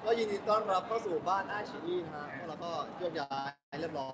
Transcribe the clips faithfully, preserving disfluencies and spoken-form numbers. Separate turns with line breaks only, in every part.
ก็ยินดีต้อนรับเข้าสู่บ้านอาชีนะฮะพวกเราก็โยกย้ายเรียบร้อย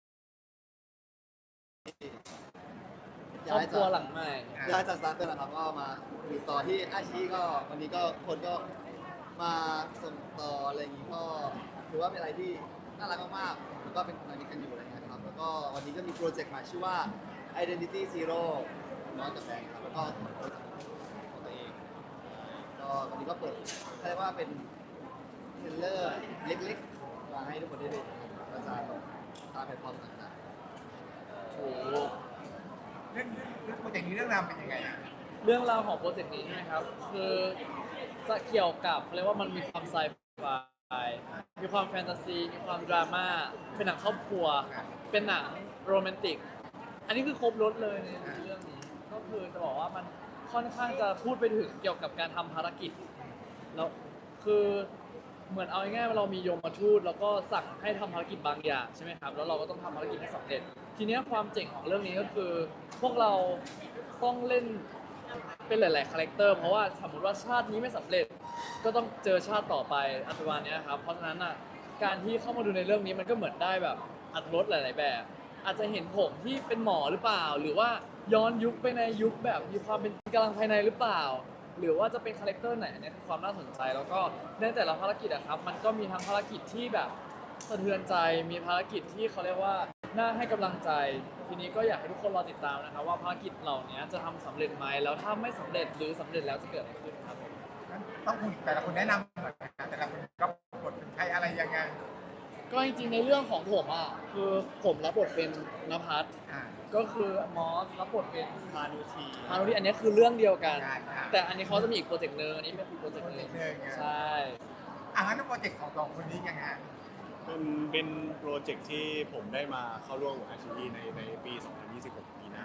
ครอบครัวหลังใหม่
ย้ายจากสตาร์เตอร์นะครับก็มาอยู่ต่อที่อาชีก็วันนี้ก็คนก็มาส่งต่ออะไรอย่างนี้ก็ถือว่าเป็นอะไรที่น่ารักมากๆแล้วก็เป็นอะไรนี้กันอยู่อะไรเงี้ยครับแล้วก็วันนี้ก็มีโปรเจกต์ใหม่ชื่อว่า Identity Zero น้อยกับแบงค์ครับแล้วก็ของตัวเองก็วันนี้ก็เปิดเรียกว่าเป็นเทรลเลอร์เล็กๆมาให้ทุกคนได้ดูกระจายตามแพลตฟอร์มต่างๆ
ถูก
เรื่องเรื่องโปรเจกต์นี้เรื่องราวเป็นยังไงอ่ะ
เรื่องราวของโปรเจกต์นี้ใช่ไหมครับ คือจะเกี่ยวกับเขาเรียกว่ามันมีความไซไฟมีความแฟนตาซี มีความดราม่า เป็นหนังครอบครัว เป็นหนังโรแมนติก อันนี้คือครบรถเลยในเรื่องนี้ ก็คือจะบอกว่ามันค่อนข้างจะพูดไปถึงเกี่ยวกับการทำภารกิจ แล้วคือเหมือนเอาง่ายๆว่าเรามียมทูตแล้วก็สั่งให้ทำภารกิจบางอย่างใช่ไหมครับ แล้วเราก็ต้องทำภารกิจให้สำเร็จ ทีนี้ความเจ๋งของเรื่องนี้ก็คือ พวกเราต้องเล่นเป็นหลายๆคาแรคเตอร์เพราะว่าสมมติว่าชาตินี้ไม่สำเร็จ ก็ต้องเจอชาติต่อไปอัตราเนี้ยครับ เพราะฉะนั้นอ่ะการที่เข้ามาดูในเรื่องนี้มันก็เหมือนได้แบบอรรถรสหลาย ๆ แบบ อาจจะเห็นผมที่เป็นหมอหรือเปล่า หรือว่าย้อนยุคไปในยุคแบบมีความเป็นกำลังภายในหรือเปล่า หรือว่าจะเป็นคาแรคเตอร์ไหนเนี่ยคือความน่าสนใจ แล้วก็ในแต่ละภารกิจอะครับมันก็มีทั้งภารกิจที่แบบสะเทือนใจมีภารกิจที่เขาเรียกว่าน่าให้กำลังใจ ทีนี้ก็อยากให้ทุกคนรอติดตามนะครับว่าภารกิจเหล่านี้จะทำสำเร็จไหมแล้วถ้าไม่สำเร็จหรือสำเร็จแล้วจะเกิดอะไรขึ้นครับผม
งั้นต้องคุณแต่ละคนแนะนำหน่อยนะแต่ละคนก็บทเป็นใครอะไรยังไง
ก็จริงๆในเรื่องของผมอ่ะคือผมรับบทเป็นนภัส
อ่า
ก็คือมอสรับบทเป็น
พานุที
พานุที่อันนี้คือเรื่องเดียวกัน
ใช่ครับ
แต่อันนี้เขาจะมีอีกโปรเจกต์หนึงอันนี้เป็นอีกโปรเจกต์หนึง
โปรเจกต์หนึ่งอ่ะ
ใช่
อ่ะงั้นโปรเจกต์ของสองคนนี้ยังไง
เป็นเป็นโปรเจกต์ที่ผมได้มาเข้าร่วมกับอาชีพในในปี สองพันยี่สิบหก ปีหน้า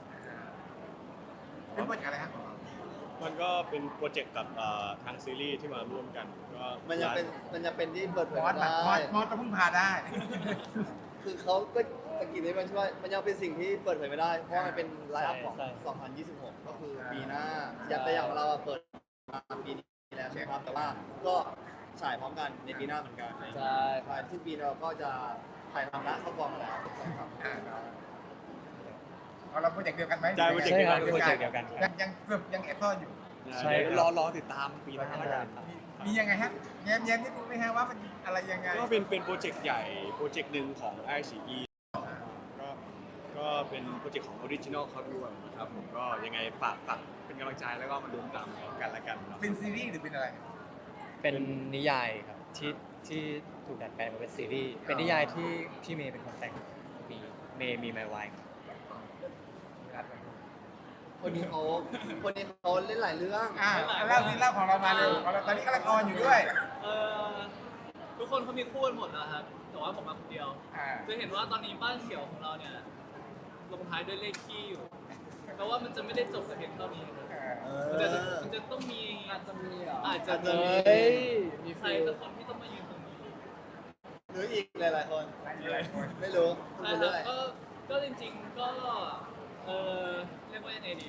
เป็นโปรเจกต์อะไรครับของเรา
มันก็เป็นโปรเจกต์กับเอ่อทางซีรีส์ที่มาร่วมกันก็
มันจะเป็นมันจะเป็นที่เปิดเผ
ม
ย
อส
ไม่
น่ะ
ได้
มอสมอสต้องพึ่งพาได้
คือเขาก็ตะกี้นี้มันช่วยมันยังเป็นสิ่งที่เปิดเผยไม่ได้ เพราะมันเป็นไลน์อัพของ สองพันยี่สิบหก ก็คือปีหน้า อยากแต่อย่างเราอะเปิดมาปีนี้แล้วใช่ไหมครับ แต่ว่าก็ฉายพร้อมกันในปีหน้าเหมือนกัน
ใช่
ภายสิ้นปีเราก็จะถ่ายทำและเข้ากองแล้วครับ
อ่า เอาเราโปรเจกต์เดียวกันไหม
ใช่โปรเจกต์เดียวกัน
โปรเจกต์เดียวกันยังยังเกือบยังแอบซ่อนอยู่
ใช่รอรอติดตามปีหน้าแล้วกัน
มีมียังไงฮะแย้มแย้มนิดนึงไหมฮะว่ามันอะไรยังไง
ก็เป็นเป็นโปรเจกต์ใหญ่โปรเจกต์หนึ่งของไอซีอีก็ก็เป็นโปรเจกต์ของออริจินอลเขาด้วยนะครับผมก็ยังไงฝากฝากเป็นกำลังใจแล้วก็มาดูตามกันละกันเนาะ
เป็นซีรีส์หรือเป็นอะไร
เป็นนิยายครับที่ที่ถูกดัดแปลงมาเป็นซีรีส์เป็นนิยายที่พี่เมย์เป็นคนแต่งมีเมย์มีไมวาย
คนนี้เขาคนนี้เขาเล่นหลายเรื่อง
อ่าเล่าซีเล่าของเรามาเร็วของเราตอนนี้กำลังออนอยู่ด้วย
เออทุกคนเขามีคู่กันหมดนะครับ แต่ว่าผมมาคนเดียว
อ่า
จะเห็นว่าตอนนี้บ้านเขียวของเราเนี่ยลงท้ายด้วยเลขขี้อยู่แปลว่ามันจะไม่ได้จบแต่เพียงเท่านี้นะ
เออ
มันจะมันจะต้องมี
อาจจะมีเหรอ
อาจจะ
อาจจะ
มี
มี
เฮ้ยมี
ใคร
ฟิล
สักคนที่ต้องมายืนตรงนี้
หรืออีกหลายๆคน
หลายคน
ไม่รู้พูด
ใช่
ไป
ครั
เรื่
บ
อย
ก็ก็จริงๆก็เออเรียกว่ายังไงดี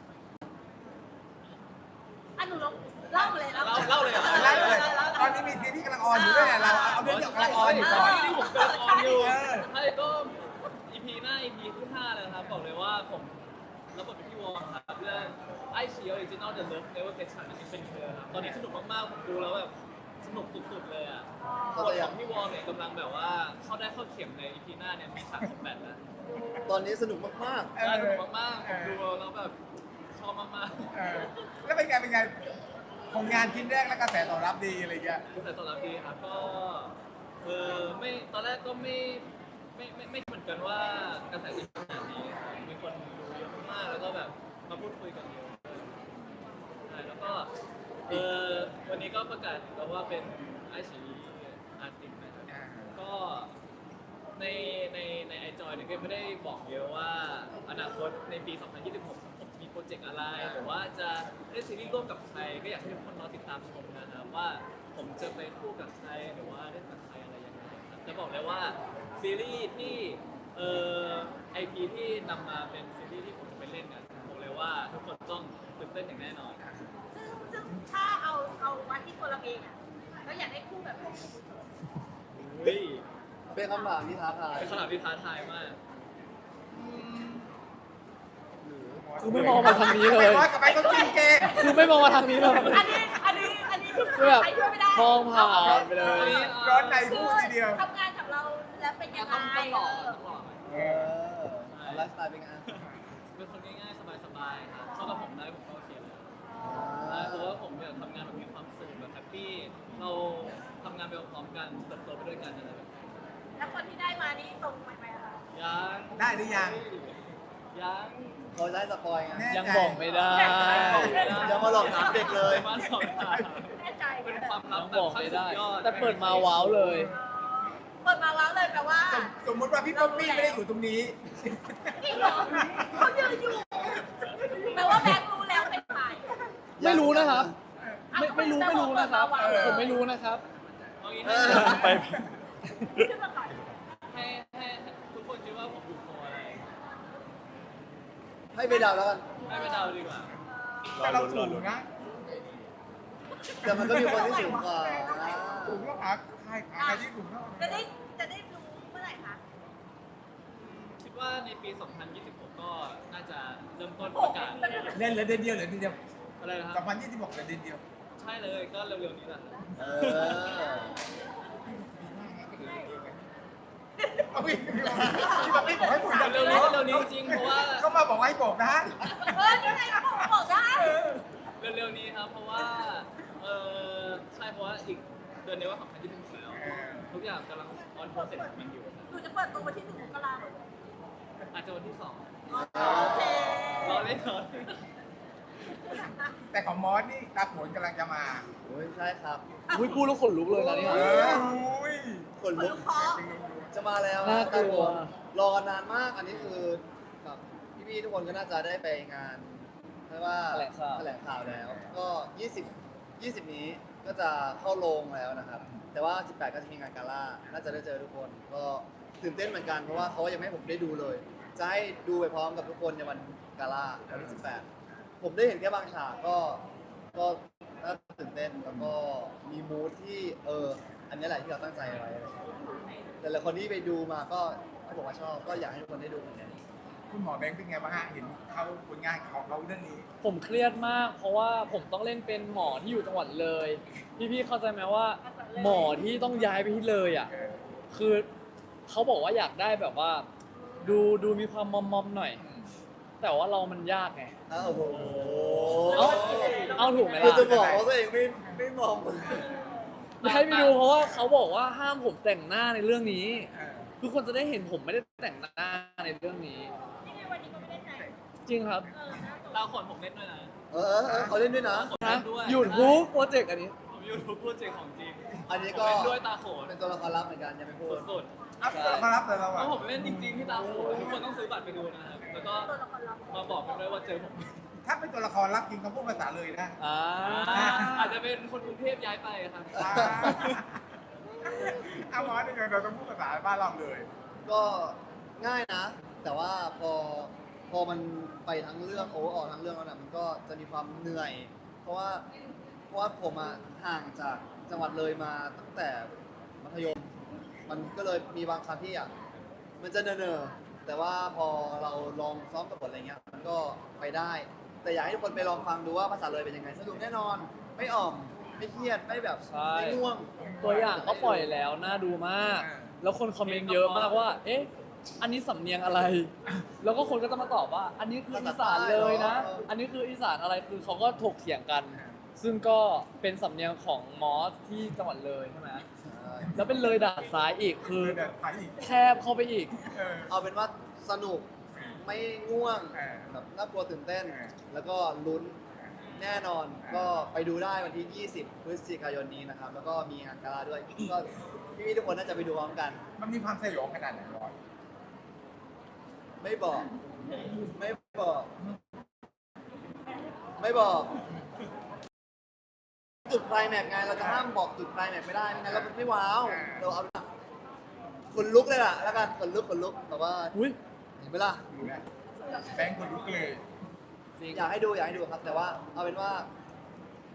อ่ะหนูลองเล่าเลย
เล่าเล่าเลยเหรอ
เล่าเลยตอนนี้มีซีรีส์กำลังออนอยู่ด้วยเนี่ยเราเอาเรื่องที่กำลังออนอยู่ก่อน
ที่ผมกำลังออนอยู่
เออ
ใช่ก็ อี พี หน้า อี พี ที่ห้าเลยนะครับบอกเลยว่าผมรับบทเป็นพี่วอร์มครับเรื่องไอชีออริจินอลเดอะเลิฟเนเวอร์เกชันอันนี้เป็นเธอครับตอนนี้สนุกมากๆผมดูแล้วแบบสนุกสุดๆเลยอ่ะ
ๆเขา
บท
จะ
ข
ยั
อง งพี่วอร์มเนี่ยกำลังแบบว่าเข้าได้เข้าเข็มใน อี พี หน้าเนี่ยมีฉากคอมแบทแล้ว
ตอนนี้สนุกมาก
ใช่สนุกมากๆผมดูแล้วแบบชอบมาก
เออแล้วเป็นไงเป็นไงผลงานชิ้นแรกแล้วกระแสตอบรับดีอะไรเงี้ย
ๆแต่ตอนรับดีครับก็เออไม่ตอนแรกก็ไม่ไม่ไม่ไม่เหมือนกันว่ากระแสจะขนาดนี้ครับมีคนดูเยอะมากๆแล้วก็แบบมาพูดคุยกันเยอะใช่แล้วก็เออวันนี้ก็ประกาศแล้วว่าเป็นไอชีอาร์ติสนะครับ
อ่า
ก็ในในในไอจอยเนี่ยก็ไม่ได้บอกเยอะว่าอนาคตในปี สองพันยี่สิบหก ผมมีโปรเจกต์อะไรหรือว่าจะเล่นซีรีส์ร่วมกับใครก็อยากให้ทุกคนรอติดตามชมนะครับว่าผมจะไปคู่กับใครหรือว่าเล่นกับใครอะไรยังไงครับจะบอกเลยว่าซีรีส์ที่เอ่อไอพีที่นำมาเป็นซีรีส์ที่ผมจะไปเล่นเนี่ยบอกเลยว่าทุกคนต้องตื่นเต้นอย่างแน่นอน
ซึ่งซึ่งถ้าเอาเอาวัดที่ตัวเราเองอ่ะเราอยากได้คู่กับ
เป็นคำถามที่ท้าทาย
เป็นคำถามที่ท้าทายมาก
คือไม่มองมาทางนี้เลย
ไปว่ากับไปต้องกินเกม
คือไม่มองมาทางนี้เลย
อันนี้อันนี้อันนี้คือ
คือแบบ
ใครช่วยไม่ได้
มองผ่านไปเลย
ร้อนใน
คื
พู
อ
ดทีเดียว
ทำงานกับเราแล้วเป็นยังไง
ต้องต้องหล่อต้องหล่อ
เออไลฟ์สไตล์เป็นไง
เป็นคนง่ายๆ สบายๆครับเข้ากับผมได้ผมก็โอเคแล้วเพราะว่าผมอยากทำงานแบบมีความสุขแบบแฮปปี้ เราทำงานไปพร้อมกันเติบโตไปด้วยกันอะไรแบบนี้
แล้วคนที่ได้มานี่ตรงไปไหมคะ
ยัง
ได้หรือยัง
ยัง
เขาได้สปอยไง
แน่
ยังบอกไม่ได้
อย่ามาหลอกถามเด็กเลย
มาสอนถาม
แน่ใจ
เป็นความลั
ยั
บ
ง
แบบ
บอก
ขั้น
ไม่
สุ
ได้
ดยอด
แต่เปิดมาว้าวเลย
เปิดมาแล้วเลยแปลว่า
สมสมมติว่าพี่ป๊อปปี้ไม่ได้อยู่ตรงนี้
จริงเหรอเขายืนอยู่แปลว่าแบงค์รู้แล้วเป็นใคร
ไม่รู้นะครับ ไม่ไม่รู้ไม่รู้นะครับ ผมไม่รู้นะครับ
เอางี้
เอ
ให้
อ
ไป
ขึ้นมาก่อน
ให้ให้ให้ทุกคนคิดว่าผมอยู่โพลอะไร
ให้ไปเดาแล้วกัน
ให้ไปเดาดีกว่า
แต่เราสูงนะ
แต่มันก็มีคนที่สูงกว่า
สูงแล้วหาใครหาใครที่สูงเท่า
จะได้จะได้รู้เมื่อไหร่คะ
คิดว่าในปี สองพันยี่สิบหก ก็น่าจะเริ่มต้นประกาศ
เล่นเหลือเดือนเดียวเหลือเดือนเดียว
อะไรนะค
ส
รั
อบ งพันยี่สิบหกเหลือเดือนเดียว
ใช่เลยก็เร็วๆนี้แหละครับ
เออ
เอาพี่พี่ป๊อปปี้บอกให้ผม
เร็วๆนี้เร็วๆนี้จริงๆเพราะว่า
เขามาบอกให้บอกนะ
เออนี่ไงเขาบอกได้
เร็วๆนี้ครับเพราะว่าเออใช่เพราะว่าอีกเดือนนี้ว่า สองพันยี่สิบหก แล้ว ทุกอย่างกำลังออนโปรเซสของมันอยู่
หนูจะเปิดตัววันที่หนึ่งมกราคม
อาจจะวันที่สอง
โอเค
รอเล่นรอเล่น
แต่ของมอสนี่ตาโขนกำลังจะมา
โอ้ยใช่ครับ
อุ้ยพูดแล้วขนลุกเลยนะเนี่ย
เอออุ้ย
คน
คน
ลุ
ลู
ก
กคอ
จะมาแล้ว
น่ากลัว
รอกันนานมาก อันนี้คือแบบพี่ๆทุกคนก็น่าจะได้ไปงานเรียกว่า
แถลงข่าว
แถลงข่าวแล้ว ก็ยี่สิบ ยี่สิบนี้ก็จะเข้าโรงแล้วนะครับ แต่ว่าสิบแปดก็จะมีงานกาล่า น่าจะได้เจอทุกคน ก็ตื่นเต้นเหมือนกันเพราะว่าเขายังไม่ให้ผมได้ดูเลย จะให้ดูไปพร้อมกับทุกคนในวันกาล่าวันที่สิบแปด ผมได้เห็นแค่บางฉากก็ ก็น่าตื่นเต้นแล้วก็มีมูทที่เออ อันนี้แหละที่เราตั้งใจไว้อะไรอย่างเงี้ยแต่ละคนที่ไปดูมาก็เขาบอกว่าชอบ ก็อยากให้ทุกคนได้ดูเหมือนกัน
คุณหมอแบงค์เป็นไงบ้างฮะเห็นเขาผลงานของเขาเรื่องนี้
ผมเครียดมาก เพราะว่าผมต้องเล่นเป็นหมอที่อยู่จังหวัดเลย พี่ๆเข้าใจไหมว่า หมอที่ต้องย้ายไปที่เลยอ่ะ
เออ
คือเขาบอกว่าอยากได้แบบว่า ดูดูมีความมอมมอมๆหน่อย แต่ว่าเรามันยากไง
อ้าวโอ้โห
เอาเอาถูกไหม
คือ
ล่ะ
จะบอกว่าตัวเองไม่ไม่มอง
ให้ไปดูเพราะว่าเขาบอกว่าห้ามผมแต่งหน้าในเรื่องนี้
เออ
ทุกคนจะได้เห็นผมไม่ได้แต่งหน้าในเรื่องนี้
นี่ไงวันนี้ก็ไม่ได้ไหน
จริงครับ
เออน่าสน
ตาขนผมเล่นด้วยนะ
เออเออเออเขาเล่นด้วยนะ
ผม
นะ
เล่นด้วย
หยุดทุกโปรเจกต์อันนี้
ผมอยู่ทุกโปรเจกต์ของจริง
อันนี้
ผม
ก็
เล่นด้วยตาโขน
เป็นตัวละครลับเหมือนกันยังไม่พูด
สุด
เอ้าตัวมารับเลยเรา
ๆเพ
อ่ะ
ราะผมเล่นจริงๆที่ตาโขนทุกคนต้องซื้อบัตรไปดูนะครับ แล้วก็
ตัวละครลับ
มาบอกกันด้วยว่าเจอผม
ถ้าเป็นตัวละครรับจริงเขาพูดภาษาเลยนะ
อ่า
อาจจะเป็นคนกรุงเทพย้ายไปครับ
อ่าเอาหมอนี่ไงเราต้องพูดภาษาบ้านเราเลย
ก็ง่ายนะ แต่ว่าพอพอมันไปทั้งเรื่องโอเวอร์ออทั้งเรื่องแล้วนะมันก็จะมีความเหนื่อย เพราะว่าเพราะว่าผมอะห่างจากจังหวัดเลยมาตั้งแต่มัธยม มันก็เลยมีบางครั้งที่อ่ะมันจะเนอๆแต่ว่าพอเราลองซ้อมกับบทอะไรเงี้ยมันก็ไปได้ แต่อยากให้ทุกคนไปลองฟังดูว่าภาษาเลยเป็นยังไงสนุกแน่นอน ไม่อ่อมไม่เครียดไม่แบบ
ใช่
ไม่ง่วง
ตัวอย่างก็ปล่อยแล้วน่าดูมาก แล้วคนคอมเมนต์เยอะมากว่า เอ๊ะ อันนี้สำเนียงอะไร แล้วก็คนก็จะมาตอบว่า อันนี้คืออีสานเลยนะ อันนี้คืออีสานอะไร คือเขาก็ถกเถียงกัน ซึ่งก็เป็นสำเนียงของมอสที่จังหวัดเลยใช่ไหมแล้วเป็นเลยด่านซ้ายอีก คือ
เดินไปอีก
แคบเข้าไปอีก
เออ
เอาเป็นว่าสนุกไม่ง่วง
เออ
แบบน่ากลัวตื่นเต้น
เออ
แล้วก็ลุ้นแน่นอน ก็ไปดูได้วันที่ ยี่สิบ พฤศจิกายนนี้นะครับ แล้วก็มีงานกาลาด้วย ก็พี่ๆทุกคนน่าจะไปดูพร้อมกัน
มันมีความสยองขนาดไหนร้อย
ไม่บอก ไม่บอก ไม่บอก จุดไคลแม็กซ์ไง เราจะห้ามบอกจุดไคลแม็กซ์ไม่ได้ไม่งั้นเราไม่ว้าว เราเอาขนลุกเลยล่ะ แล้วกันขนลุกขนลุกแต่ว่า
อุ้ย
เห็นไหมล่ะ
ดูนะแบงค์คนลุกเลย
อยากให้ดูอยากให้ดูครับ แต่ว่าเอาเป็นว่า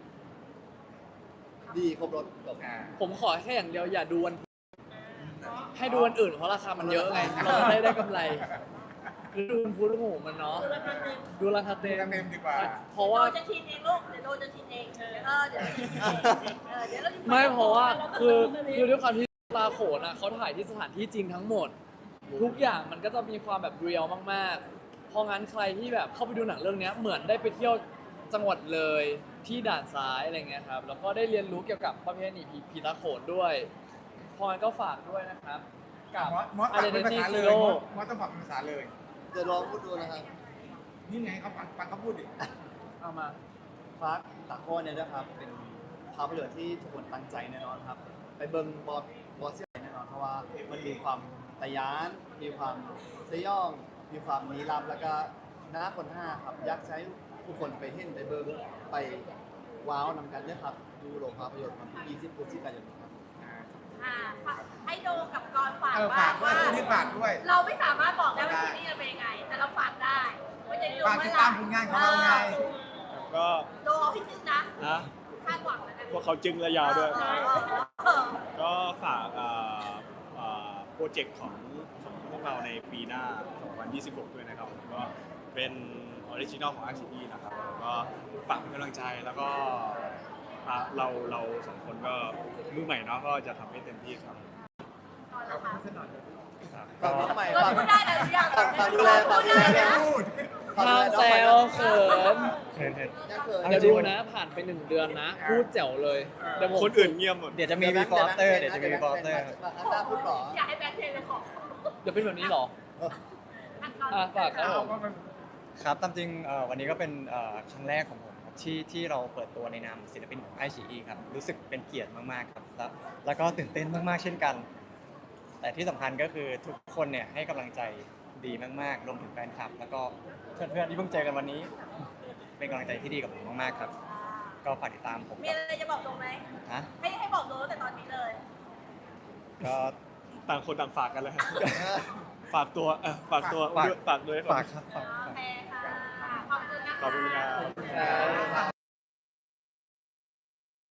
ดีครบรถจบ
อ่า
ผมขอแค่อย่างเดียวอย่าดูวัน
ท
ให้ดูวันอื่นเพราะราคามันเยอะไง เราจะได้ได้กำไรหรือดูพูดหูมันเนาะ ดูราคาเต็ม
ดูราคาเต็มดีกว่า
เพราะ
โด
ว่า
จะชินเองลูกเดี๋ยวโดจะชินเองเออเดี๋ยวชินเองเออเดี๋ยวเรา
ไม่เพราะว่าคือคือด้วยความที่ปลาโขนอ่ะเขาถ่ายที่สถานที่จริงทั้งหมด ทุกอย่างมันก็จะมีความแบบเรียลมากๆ เพราะงั้นใครที่แบบเข้าไปดูหนังเรื่องเนี้ยเหมือนได้ไปเที่ยวจังหวัดเลยที่ด่านซ้ายอะไรเงี้ยครับแล้วก็ได้เรียนรู้เกี่ยวกับประเพณีผีผีตาโขนด้วยเพราะงั้นก็ฝากด้วยนะครับกับ
มอสมอสฝากเป็นภา
Identity
ษาเลย
Zero
มอสมอสต้องฝากเป็นภาษาเลย
เดี๋ยวลองพูดดูนะครับ
นี่ไงเขาฟังฟังเขาพูดดิ
เอามา
ฟาร์ตาโคนเนี่ยนะครับเป็นภาพยนตร์ที่ทุกคนตั้งใจแน่นอนครับ ไปเบิ่งบอสบอสเซี่ยแน่นอนเพราะว่ามันมีความตะยาน มีความสยอง มีความลี้ลับแล้วก็น้าคนห้าครับอยากใช้ผู้คนไปเห็นไปเบิ่งไปว้าวนำกันเนี่ยครับดูโรงภาพยนตร์วันที่ยี่สิบพฤศจิกายนนี้ครับ
อ่าให้โดกับกรฝาก
เออ
ว่า
ฝากด้วย
ว่า
นี่ฝากด้วย
เราไม่สามารถบอกได้ว่าซีรีส์จะเป็นยังไง แต่เราฝากได้ว่าจะดู
ฝากติดตามผลงานของเราไง
ก็
โดเอาให้ซึ้งนะ
นะ
คาดหวังแล้วกัน
พวกเขาจึงระยาวด้วย
เออเออ
ก็ฝากเอ่อเอ่อโปรเจกต์ของของพวกเราในปีหน้า สองพันยี่สิบหก ด้วยนะครับผมก็เป็นออริจินอลของ อาร์ ซี อี นะครับแล้วก็ฝากเป็นกำลังใจแล้วก็อ่ะเราเราสองคนก็มือใหม่เนาะก็จะทำให้เต็มที่ครับ
ฝากน้องใหม่
ก็
ฝาก
พูดได้นะทุกอย่าง
ฝากฝากดูแลฝากดูแล
ได้นะ
พูด
ฝากดู
ห้าม
แลน้อง
แซ
ใหม่
ว
นะ
เขิน
เขินเขิน
ยังเขิน
อา
เดี๋ยว
จริ
ดู
ง
นะผ่านไปหนึ่งเดือนนะ พูดแจ๋วเลยเดี๋ยวผม
คนอื่นเงียบหมด
เดี๋ยวจะมี before after เดี๋ยวจะมี before after ครับ
อันหน้าพูดหรอ
อยากให้แบงค์เทนเลยของ
เดี๋ยวเป็นแบบนี้เหรอ อ่ะฝากครับผม
ครับตามจริงเอ่อวันนี้ก็เป็นเอ่อครั้งแรกของผมครับที่ที่เราเปิดตัวในนามศิลปินของไอชีอีครับรู้สึกเป็นเกียรติมากๆครับแล้วแล้วก็ตื่นเต้นมากๆเช่นกัน แต่ที่สำคัญก็คือทุกคนเนี่ยให้กำลังใจดีมากๆรวมถึงแฟนคลับ แล้วก็เพื่อนๆที่เพิ่งเจอกันวันนี้ เป็นกำลังใจที่ดีกับผมมากๆครับ ก็ฝากติดตามผม
มี
กับ
อะไรจะบอกโดไหม
ฮะ
ให้ให้บอกโดตั้งแต่ตอนนี้เลย
ก็
ต่างคนต่างฝากกันเลยครับฝากตัวเออฝากตัว
ฝาก
ด้วยฝากด้วย
ฝากครับฝาก
โอเคค่ะ ขอบคุณนะคะ
ขอบคุณครับ